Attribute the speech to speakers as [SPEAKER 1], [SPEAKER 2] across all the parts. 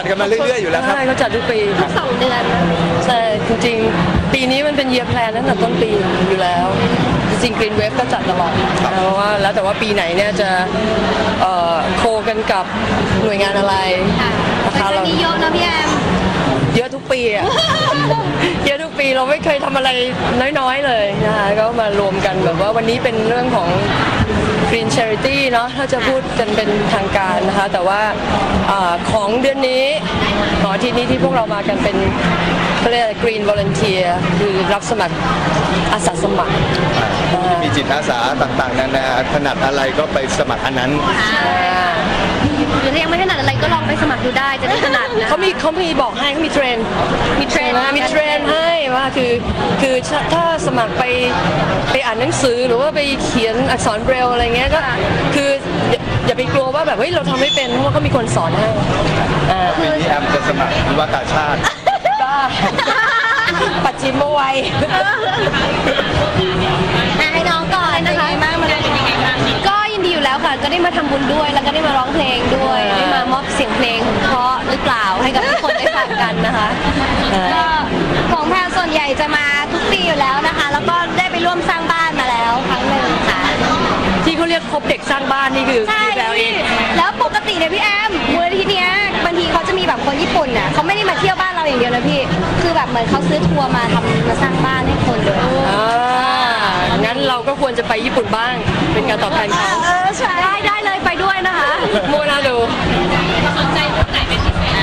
[SPEAKER 1] จัดกันมาเรื่อยๆอยู่แล้วครับ
[SPEAKER 2] เขาจัดทุกปี
[SPEAKER 3] ทุก2 เดือนนะ
[SPEAKER 2] ใช่จริงๆปีนี้มันเป็น year plan ตั้งแต่ต้นปีอยู่แล้วจริงๆ Green Wave ก็จัดตลอดเพราะว่าแล้วแต่ว่าปีไหนเนี่ยจะโคกันกับหน่วยงานอะไร
[SPEAKER 3] นะคะเราเยอะนะพี่แอม
[SPEAKER 2] เยอะทุกปีอะเยอะทุกปีเราไม่เคยทำอะไรน้อยๆเลยนะคะก็มารวมกันแบบว่าวันนี้เป็นเรื่องของ Green Charity เนาะถ้าจะพูดกันเป็นทางการนะคะแต่ว่าของเดือนนี้อาทิตย์นี้ที่พวกเรามากันเป็นเขาเรียก Green Volunteer คือรับสมัครอาสาสมัคร
[SPEAKER 1] มีจิตอาสาต่างๆนานาถนัดอะไรก็ไปสมัครอันนั้น
[SPEAKER 3] หรือยังไม่ถนัดอะไรก็ลองไปสมัครดูได้จะได้ถนัดนะ
[SPEAKER 2] เขามีบอกให้เขามีเทรนให้ว่าคือถ้าสมัครไปอ่านหนังสือหรือว่าไปเขียนอักษรเบรลอะไรเงี้ยก็คืออย่าไปกลัวว่าแบบเฮ้ยเราทำไม่เป็นเพราะว่าเขามีคนสอนให้
[SPEAKER 1] ปีนี้แอมจะสมัครวิวากาชาติ
[SPEAKER 2] ปัจจิมวัย
[SPEAKER 3] ให้น้องก่อนนะคะก็ยินดีอยู่แล้วค่ะก็ได้มาทำบุญด้วยแล้วก็ได้มาร้องเพลงด้วยได้มามอบเสียงเพลงเพราะหรือเปล่าให้กับทุกคนได้ฟังกันนะคะก็ของแพรส่วนใหญ่จะมาทุกปีอยู่แล้วนะคะแล้วก็ได้ไปร่วมสร้างบ้านมาแล้วครั้งหนึ่งค่ะ
[SPEAKER 2] ที่เขาเรียกคบเด็กสร้างบ้านนี่คือแพรเอง
[SPEAKER 3] แล้วปกติเนี่ยพี่แอมมูลนิธิเนี้ยบางทีเขาจะมีแบบคนญี่ปุ่นน่ะเขาไม่ได้มาเที่ยวบ้านเราอย่างเดียวนะพี่คือแบบเหมือนเขาซื้อทัวร์มาสร้างบ้านให้คนเลย
[SPEAKER 2] งั้นเราก็ควรจะไปญี่ปุ่นบ้างเป็นการตอบแทนเขา
[SPEAKER 3] ใช่ได้เลยไปด้วยนะคะ
[SPEAKER 2] โมนาดู
[SPEAKER 3] สนใจเรื่องไหนเป็นพิเศษ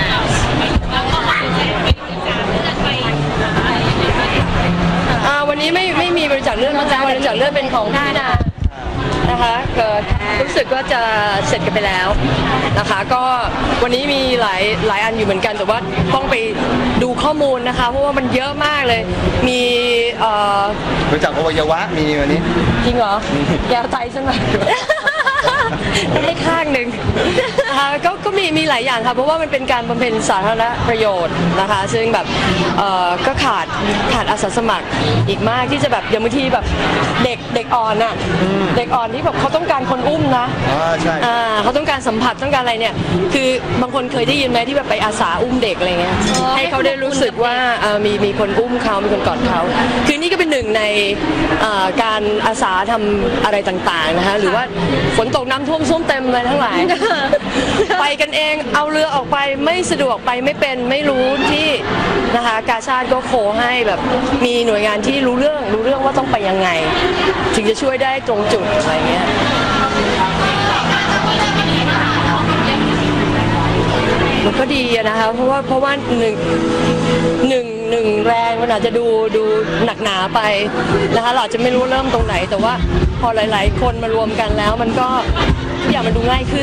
[SPEAKER 2] วันนี้ไม่มีบริจาคเลือดนะคะบริจาคเลือดเป็นของพี่นานะคะรู้สึกว่าจะเสร็จกันไปแล้วนะคะก็วันนี้มีหลายอันอยู่เหมือนกันแต่ว่าต้องไปดูข้อมูลนะคะเพราะว่ามันเยอะมากเลยมี
[SPEAKER 1] บริจาคอวัยวะมีวันนี้
[SPEAKER 2] จริงเหรอแก้วใจใช่ไหมได้ข้างหนึ่งนะคะก็มีหลายอย่างค่ะเพราะว่ามันเป็นการบำเพ็ญสาธารณประโยชน์นะคะซึ่งแบบก็ขาดอาสาสมัครอีกมากที่จะแบบอย่างบางทีแบบเด็กอ่อนน่ะเด็กอ่อนที่แบบเขาต้องการคนอุ้มนะ
[SPEAKER 1] ใช่
[SPEAKER 2] เขาต้องการสัมผัสต้องการอะไรเนี่ยคือบางคนเคยได้ยินไหมที่แบบไปอาสาอุ้มเด็กอะไรเงี้ยให้เขาได้รู้สึกว่ามีคนอุ้มเขามีคนกอดเขาคือนี่ก็เป็นหนึ่งในการอาสาทำอะไรต่างๆนะคะหรือว่าฝนตกน้ำท่วมส้วมเต็มเลยทั้งหลายไปกันเองเอาเรือออกไปไม่สะดวกไปไม่เป็นไม่รู้ที่นะคะกาชาดก็โคให้แบบมีหน่วยงานที่รู้เรื่องว่าต้องไปยังไงถึงจะช่วยได้ตรงจุดอะไรเงี้ยมันก็ดีนะคะเพราะว่าหนึ่งแรงมันอาจจะดูหนักหนาไปนะคะเราจะไม่รู้เริ่มตรงไหนแต่ว่าพอหลายๆคนมารวมกันแล้วมันก็ทุกอย่างมันดูง่ายขึ้น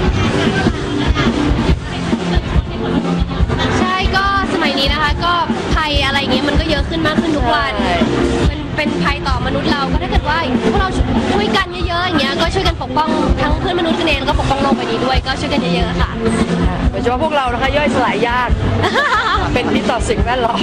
[SPEAKER 3] ใช่ก็สมัยนี้นะคะก็ภัยอะไรอย่างเงี้ยมันก็เยอะขึ้นมากขึ้นทุกวันมันเป็นภัยต่อมนุษย์เราก็ถ้าเกิดว่าพวกเราช่วยกันเยอะๆอย่างเงี้ยก็ช่วยกันปกป้องทั้งเพื่อนมนุษย์กันเองแล้วก็ปกป้องโลกใบนี้ด้วยก็ช่วยกันเยอะๆค่ะ
[SPEAKER 2] โดยเฉพาะพวกเรานะคะย่อยสลายยากเป็นพิษต่อสิ่งแวดล้อม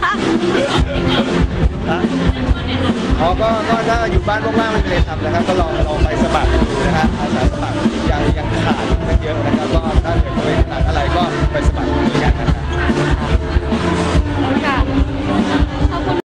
[SPEAKER 1] ก็ถ้าอยู่บ้านว่างๆไม่มีอะไรทำนะครับก็ลองไปสมัครดูนะฮะอาสาสมัครยังขาดเยอะนะครับก็ถ้าเกิดไม่ถนัดอะไรก็ไปสมัครดูกันนะครับ